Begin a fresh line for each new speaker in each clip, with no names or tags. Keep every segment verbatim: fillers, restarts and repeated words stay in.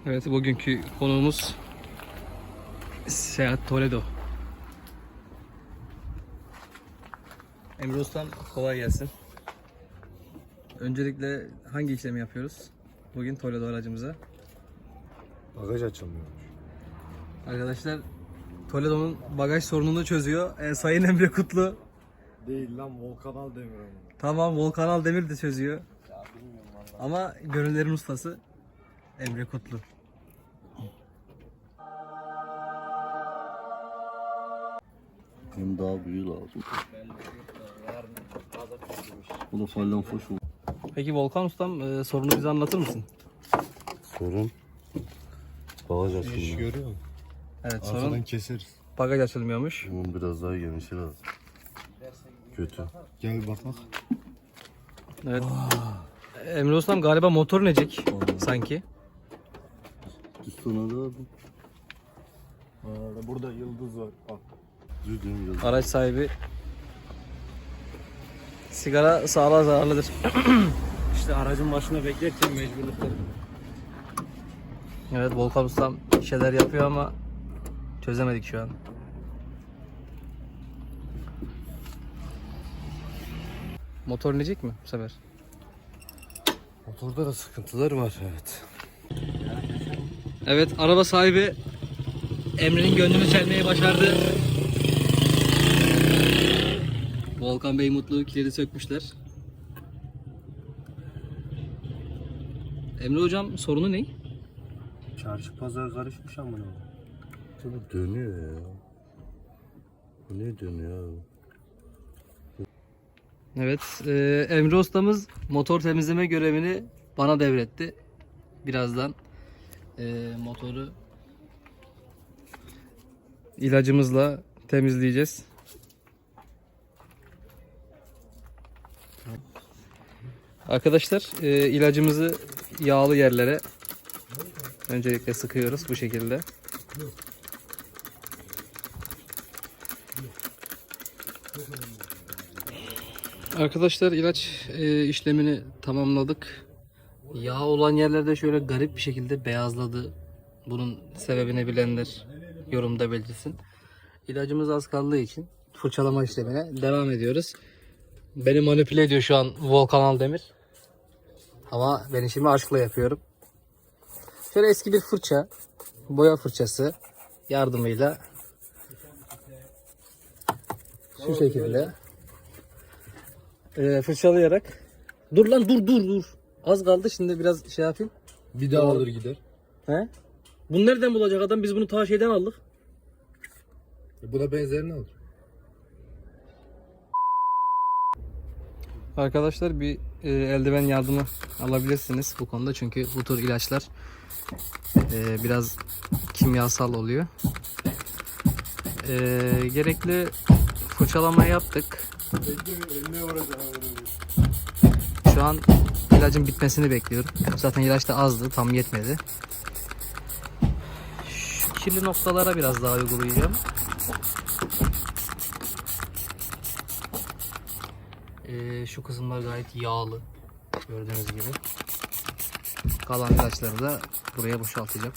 Evet, bugünkü konuğumuz Seat Toledo. Emre Ustam, kolay gelsin. Öncelikle hangi işlemi yapıyoruz bugün Toledo aracımıza?
Bagaj açılmıyormuş.
Arkadaşlar, Toledo'nun bagaj sorununu çözüyor. E, Sayın Emre Kutlu.
Değil lan, Volkanal demir ama.
Tamam, Volkanal Demir de çözüyor. Ya bilmiyorum vallahi. Ama gönüllerin ustası Emre Kutlu.
Hem daha büyüğü lazım. Bu da fallan foş oldu.
Peki Volkan Ustam, e, sorunu bize anlatır mısın?
Sorun bagaj
İş
açılmıyor.
görüyor musun?
Evet, sorun
Arkadan keseriz.
bagaj açılmıyormuş.
Bunun biraz daha genişi lazım. Kötü.
Gel bir bak bak.
Evet. Emre Ustam, galiba motor necek sanki.
Üstüne de aldım.
Aa, burada yıldız var. Bak.
Düzgün biraz.
Araç sahibi, sigara sağlığa zararlıdır.
İşte aracın başına beklerken mecburlukları.
Evet, Volkan Ustam bir şeyler yapıyor ama çözemedik şu an. Motor necek mi bu sefer?
Motorda da sıkıntılar var, evet.
Evet, araba sahibi Emre'nin gönlünü çelmeyi başardı. Volkan Bey mutlu, kilidi sökmüşler. Emre hocam, sorunu ne?
Çarşı pazar karışmış ama ne? Bu dönüyor ya. Bu ne dönüyor abi?
Evet, e, Emre ustamız motor temizleme görevini bana devretti. Birazdan e, motoru ilacımızla temizleyeceğiz. Arkadaşlar, e, ilacımızı yağlı yerlere öncelikle sıkıyoruz bu şekilde. Arkadaşlar, ilaç e, işlemini tamamladık. Yağ olan yerlerde şöyle garip bir şekilde beyazladı. Bunun sebebini bilenler yorumda belirtsin. İlacımız az kaldığı için fırçalama işlemine devam ediyoruz. Beni manipüle ediyor şu an Volkan Demir. Ama ben işimi aşkla yapıyorum. Şöyle eski bir fırça, boya fırçası yardımıyla şu şekilde e, fırçalayarak, dur lan dur dur dur. Az kaldı, şimdi biraz şey yapayım.
Bir daha alır gider.
He? Bunu nereden bulacak adam? Biz bunu ta şeyden aldık.
E, buna benzerini alır.
Arkadaşlar, bir e, eldiven yardımı alabilirsiniz bu konuda, çünkü bu tür ilaçlar e, biraz kimyasal oluyor. E, gerekli fırçalamayı yaptık. Şu an ilacın bitmesini bekliyorum. Zaten ilaç da azdı, tam yetmedi. Şu kirli noktalara biraz daha uygulayacağım. Ee, şu kısımlar gayet yağlı, gördüğünüz gibi. Kalan ilaçları da buraya boşaltacağım.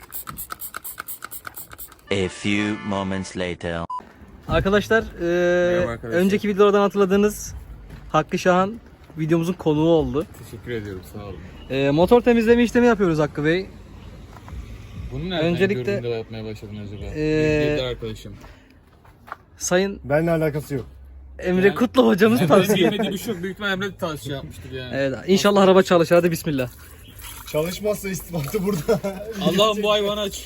A few moments later.
Arkadaşlar, e,
arkadaşlar.
önceki videolardan hatırladığınız Hakkı Şahan videomuzun konuğu oldu.
Teşekkür ediyorum, sağ olun.
E, motor temizleme işlemi yapıyoruz Hakkı Bey.
Bunu nereden
Öncelikle-
gördün de yapmaya başladın acaba?
Ee,
Bir arkadaşım.
Sayın
Benimle alakası yok.
Emre
Yani-
Kutlu hocamız
Benim
tavsiye.
yemediği bir şey yok. Büyük ihtimalle Emre de tavsiye yapmıştır yani.
Evet, inşallah araba çalışır. Hadi bismillah.
Çalışmazsa istifatı burada. Allah'ım bu hayvanı aç.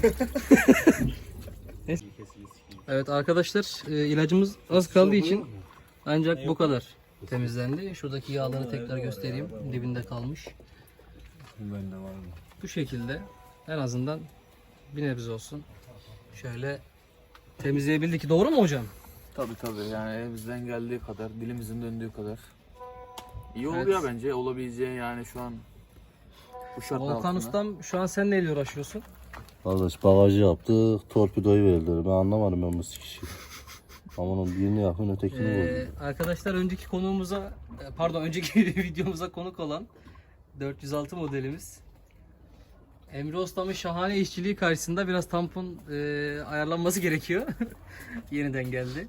Evet arkadaşlar, e, ilacımız az kaldığı için ancak bu kadar temizlendi. Şuradaki yağları tekrar göstereyim. Dibinde kalmış.
Bende var mı?
Bu şekilde en azından bir nebze olsun şöyle temizleyebildik. Doğru mu hocam?
Tabii tabii, yani elimizden geldiği kadar, dilimizin döndüğü kadar. İyi
Evet.
oluyor bence, olabileceği yani şu an bu şartlar
Volkan
altında.
Ustam, şu an sen neyle uğraşıyorsun?
Kardeş bagajı yaptık, torpidoyu verdiler. Ben anlamadım ben bu sikişi. Ama onun birini yakın ötekini
Ee,
vurdu.
arkadaşlar, önceki konuğumuza, pardon önceki videomuza konuk olan dört yüz altı modelimiz Emre Ustam'ın şahane işçiliği karşısında biraz tampon e, ayarlanması gerekiyor. Yeniden geldi.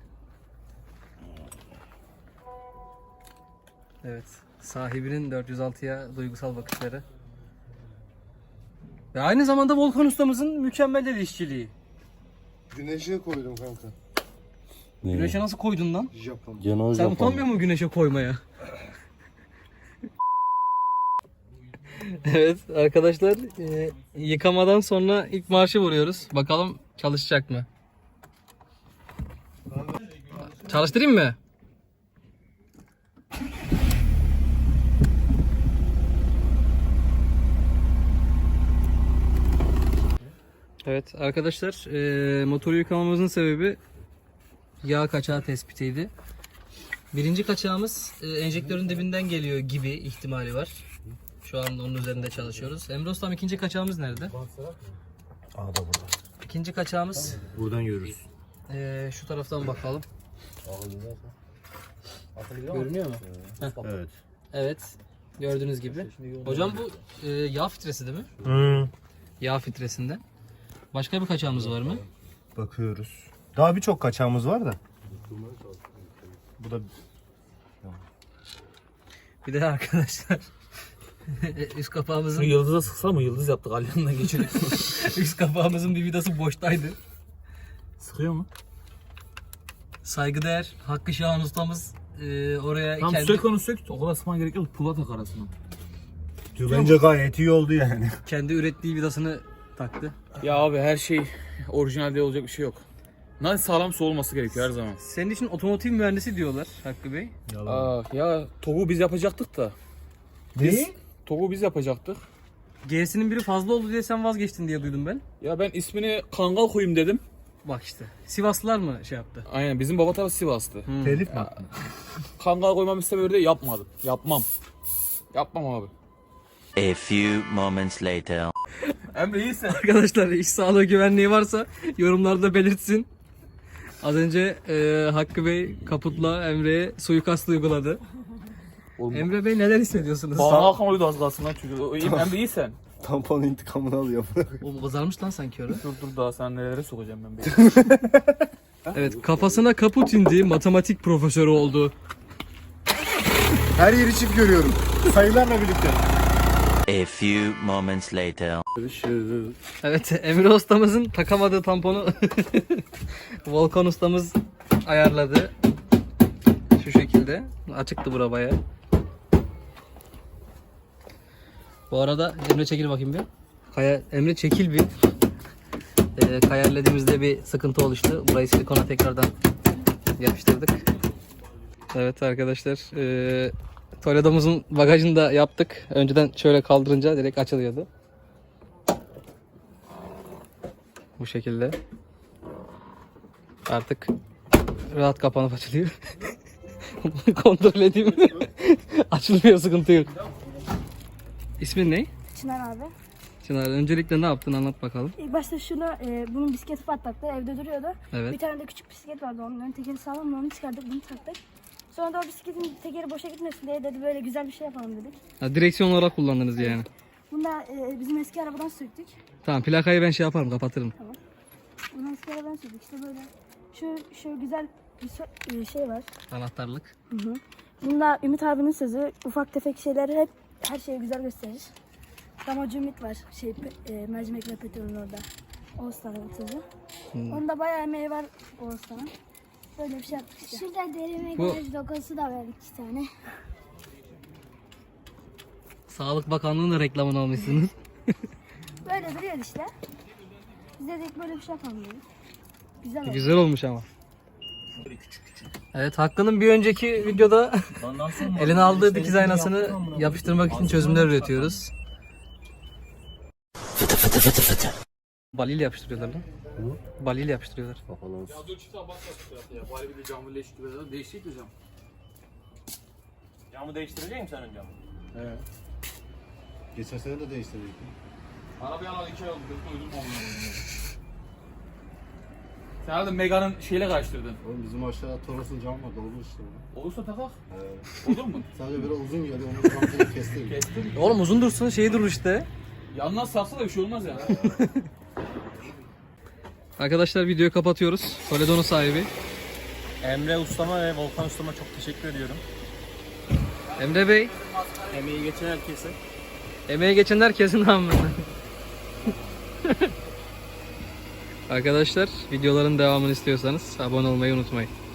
Evet. Sahibinin dört yüz altıya duygusal bakışları. Ve aynı zamanda Volkan Ustamızın mükemmel el işçiliği.
Güneşe koydum kanka.
Ne?
Güneşe nasıl koydun lan?
Japon.
Gene
Sen utanmıyor musun güneşe koymaya? Evet arkadaşlar, e, yıkamadan sonra ilk marşı vuruyoruz. Bakalım çalışacak mı? Çalıştırayım mı? Evet arkadaşlar, e, motoru yıkamamızın sebebi yağ kaçağı tespitiydi. Birinci kaçağımız e, enjektörün dibinden geliyor gibi ihtimali var. Şu anda onun üzerinde çalışıyoruz. Emre Ustam, ikinci kaçağımız nerede?
Aa da burada.
İkinci kaçağımız
Buradan görürüz.
e, şu taraftan bakalım. Görünüyor mu?
Evet.
Evet. Gördüğünüz gibi. Hocam bu e, yağ filtresi değil mi?
Hı.
Yağ filtresinde. Başka bir kaçağımız var mı?
Bakıyoruz. Daha birçok kaçağımız var da. Bu da
Bir de arkadaşlar üst kapağımızın
Yıldız'a sıksa mı? Yıldız yaptık alyanına geçirdik.
üst kapağımızın bir vidası boştaydı.
Sıkıyor mu?
Saygıdeğer Hakkı Şahan ustamız e, oraya
Tamam
kendi,
sök onu sök. O kadar sıkman gerek yok. Pula tak arasına.
bence gayet iyi oldu yani.
kendi ürettiği vidasını taktı.
Ya abi her şey orijinalde olacak bir şey yok. Nasıl sağlamsa olması gerekiyor her zaman.
Senin için otomotiv mühendisi diyorlar Hakkı Bey.
Aa, ya TOG'u biz yapacaktık da. Biz TOG'u biz yapacaktık.
G'sinin biri fazla oldu diye sen vazgeçtin diye duydum ben.
Ya ben ismini Kangal koyayım dedim.
Bak işte. Sivaslılar mı şey yaptı?
Aynen bizim baba tarafı Sivas'tı.
Telif mi?
Kangal koymam sebebi de yapmadım. Yapmam. Yapmam abi.
A few moments later.
Emre iyisin.
Arkadaşlar iş sağlığı güvenliği varsa yorumlarda belirtsin. Az önce e, Hakkı Bey kaputla Emre'ye suikast uyguladı.
Oğlum,
Emre Bey neler hissediyorsunuz?
Bana hakan az kalsın lan çocuğu. İyi, Emre iyisin.
Tampon intikamını alıyor.
O kızarmış lan sanki öyle.
Dur dur daha sen nelere sokacağım ben beni.
Evet, kafasına kaput indi, matematik profesörü oldu.
Her yeri çift görüyorum. Sayılarla birlikte.
A few moments later.
Evet, Emre ustamızın takamadığı tamponu Volkan ustamız ayarladı. Şu şekilde. Açıktı bura bayağı. Bu arada Emre çekil bakayım bir. Kaya, Emre çekil bir. Ee, kayarladığımızda bir sıkıntı oluştu. Burayı silikona tekrardan yapıştırdık. Evet arkadaşlar. E, Toledo'muzun bagajını da yaptık. Önceden şöyle kaldırınca direkt açılıyordu. Bu şekilde. Artık rahat kapanıp açılıyor. Kontrol edeyim. Açılmıyor, sıkıntı yok. İsmin ne?
Çınar abi.
Çınar, öncelikle ne yaptın, anlat bakalım.
İlk başta şunu, e, bunun bisikleti patlattı, evde duruyordu.
Evet.
Bir tane de küçük bisiklet vardı, onun ön tekeri sağlam, onu çıkardık, bunu taktık. Sonra da o bisikletin tekeri boşa gitmesin diye dedi böyle güzel bir şey yapalım dedik.
Ha, direksiyon olarak kullandınız yani.
Bunu da e, bizim eski arabadan söktük.
Tamam, plakayı ben şey yaparım, kapatırım.
Bunu eski arabadan söktük, işte böyle. Şu, şu güzel bir so- e, şey var.
Anahtarlık.
Hı hı. Bunda Ümit abinin sözü, ufak tefek şeyleri hep her şeyi güzel gösterir. Damacı Ümit var, şey, pe- e, mercimek ve petrolün orada. Oğuzhan'ın sözü.
Hmm.
Onda bayağı emeği var Oğuzhan'ın. Böyle bir şey yaptık işte.
Şurada deri
Bu-
makyaj logosu da var iki tane.
Sağlık Bakanlığı'nın da reklamını almışsınız.
Böyle duruyor işte. Biz dedik böyle bir şey yapalım dedik. Güzel oldu.
Güzel olmuş ama. Evet, Hakkı'nın bir önceki videoda eline aldığı dikiz aynasını yapıştırmak için çözümler üretiyoruz. Fıtı fıtı fıtı fıtı. Baliyle yapıştırıyorlar lan. Baliyle yapıştırıyorlar.
Bari bir de camı leş gibi değişik bir cam.
Camı değiştirecek misin sen önce?
Evet.
Geçen sene de değiştirdik.
Arabayı alalı iki ay oldu. Kötü uydum olmuyor. Sen herhalde Mega'nın şeyle karıştırdın.
Oğlum bizim aşağıda Toros'un camı var, dolmuş işte.
Olursa takak.
Ee,
Olur mu?
sadece biraz uzun geliyor, onun camını kestirdik.
Kestim.
Oğlum uzun dursun, şey durur işte.
Yandan sarsa da bir şey olmaz yani.
Arkadaşlar videoyu kapatıyoruz. Toledo'nun sahibi.
Emre Ustama ve Volkan Ustama çok teşekkür ediyorum.
Emre Bey.
Emeği geçen herkese.
Emeğe geçen herkesin namına. Arkadaşlar videoların devamını istiyorsanız abone olmayı unutmayın.